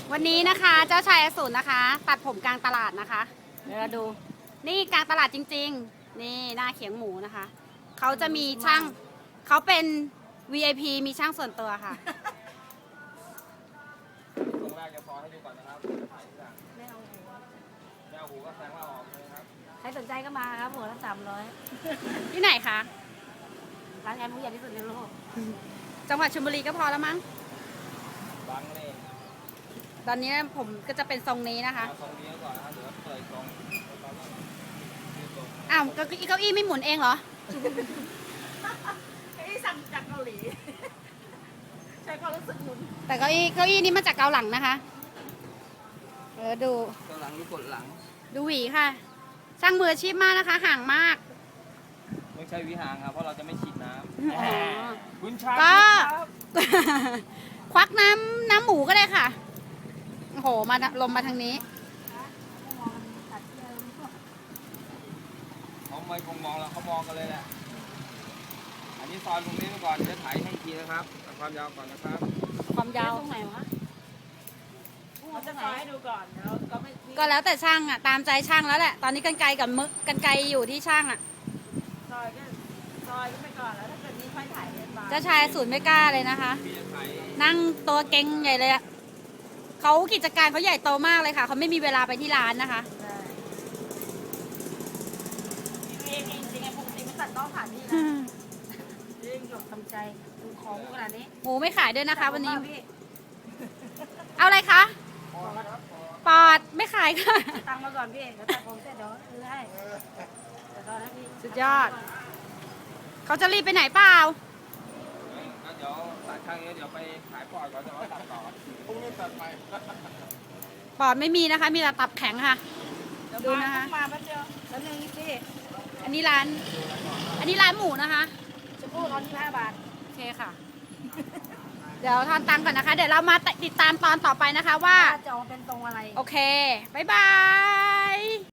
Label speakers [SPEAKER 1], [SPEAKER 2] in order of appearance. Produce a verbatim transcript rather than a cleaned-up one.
[SPEAKER 1] วันนี้นะคะเจ้าชายอสูรนะคะ ตัดผมกลางตลาดนะคะ เดี๋ยวเราดู นี่กลางตลาดจริงๆ นี่หน้าเขียงหมูนะคะ เขาจะมีช่างเขาเป็น วี ไอ พี มีช่างส่วนตัวค่ะ
[SPEAKER 2] ตรงแรกจะพอให้ดูก่อนนะครับถ่ายจาก
[SPEAKER 3] ไม่เอาหู
[SPEAKER 2] แนวหูก็แสดงว่าออกเลยครับ
[SPEAKER 3] ใครสนใจก็มาครับหัวละสามร้อย
[SPEAKER 1] ที่ไหนคะ
[SPEAKER 3] ร้านแอมผู้ใหญ่ที่สุดในโลก
[SPEAKER 1] จังหวัดชลบุรีก็พอแล้วมั้ง
[SPEAKER 2] บังเลย
[SPEAKER 1] ตอนนี้ผมก็จะเป็นทรงนี้นะคะ
[SPEAKER 2] เอาตรงนี้ก่อนนะครับเดี๋ยวเปิดตรงตรงนี้ตรง
[SPEAKER 1] อ้าวเก้าอี้เก้าอี้ไม่หมุนเองเหรอ
[SPEAKER 3] ไอ้สั่งจากเกาหลี ใช้ความรู้สึกหมุน
[SPEAKER 1] แต่เก้าอี้เก้าอี้นี้มาจากเกาหลังนะคะ เออดู
[SPEAKER 2] ตัวหลังหรือกดหลัง
[SPEAKER 1] ดูหวีค่ะ ช่างมืออาชีพมากนะคะ ห่างมาก
[SPEAKER 2] ไม่ใช่วิหางครับเพราะเราจะไม่ฉีดน้
[SPEAKER 1] อ๋อ
[SPEAKER 2] ำคุณชาย
[SPEAKER 1] ก็ ควักน้ำน้ำหมูก็ได้ค่ะ โอ้โห มาลมมาทางนี้
[SPEAKER 2] เขาไม่คงมองแล้วเขามองกันเลยแหละอันนี้ซอยตรงนี้ไปก่อนเดี๋ยวถ่ายให้อีกทีนะครับเอาความยาวก่อนนะครับ
[SPEAKER 1] ความยาว
[SPEAKER 3] ตรงไหนวะเราจะซอยให้ดูก่อนแล้วก็ไม่
[SPEAKER 1] ก็แล้วแต่ช่างอ่ะ ตามใจช่างแล้วแหละ ตอนนี้กันไกรกับมึกกันไกรอยู่ที่ช่างอ่ะ
[SPEAKER 3] ซอยก็ซอยก็ไปก่อนแล้วถ้าเกิดนี้ค่อยถ่ายเรียนบา
[SPEAKER 1] เจ้าชายศูนย์ไม่กล้าเลยนะคะ
[SPEAKER 2] พี่จะถ่าย
[SPEAKER 1] นั่งตัวเก่งใหญ่เลยอ่ะเขากิจการเขาใหญ่โตมากเลยค่ะ เขาไม่มีเวลาไปที่ร้านนะคะ
[SPEAKER 3] ได้เองเองจริงๆปกติไม่ตัดต้องผ่านนี่นะเรื่องหยกทำใจดูของขนาดนี้
[SPEAKER 1] หมูไม่ขายด้วยนะคะ วันนี้
[SPEAKER 3] พี่
[SPEAKER 1] เอาอะไรคะ
[SPEAKER 2] พอแล้วครับ
[SPEAKER 1] ปอดไม่ขายค่ะ
[SPEAKER 3] ตังค์มาก่อนพี่เดี๋ยวตัดผมเสร็จเดี๋ยวซื้อให้เดี๋ยวรอนะพี่
[SPEAKER 1] สุดยอด เขาจะรีบไปไหนเปล่า
[SPEAKER 2] งั้นเดี๋ยวตัดข้างนี้เดี๋ยวไปขายปอดก่อนเดี๋ยวเราตัดต่อพรุ่งนี้ตัดไป
[SPEAKER 1] ปอดไม่มีนะคะ มีแต่ตับแข็งค่ะ
[SPEAKER 3] เดี๋ยว
[SPEAKER 1] ดู
[SPEAKER 3] มา
[SPEAKER 1] นะคะ
[SPEAKER 3] ต้องมาแป๊บเดียวแล้วนึงพี่
[SPEAKER 1] อันนี้ร้าน อันนี้ร้านหมูนะคะ
[SPEAKER 3] ชมพู่ร้อนที่ห้าบาท
[SPEAKER 1] โอเคค่ะ เดี๋ยวทอนตังค์ก่อนนะคะ เดี๋ยวเรามาติดตามตอนต่อไปนะคะว่า
[SPEAKER 3] ว่าจะเอาเป็นตรงอะไร
[SPEAKER 1] โอเค บ๊ายบาย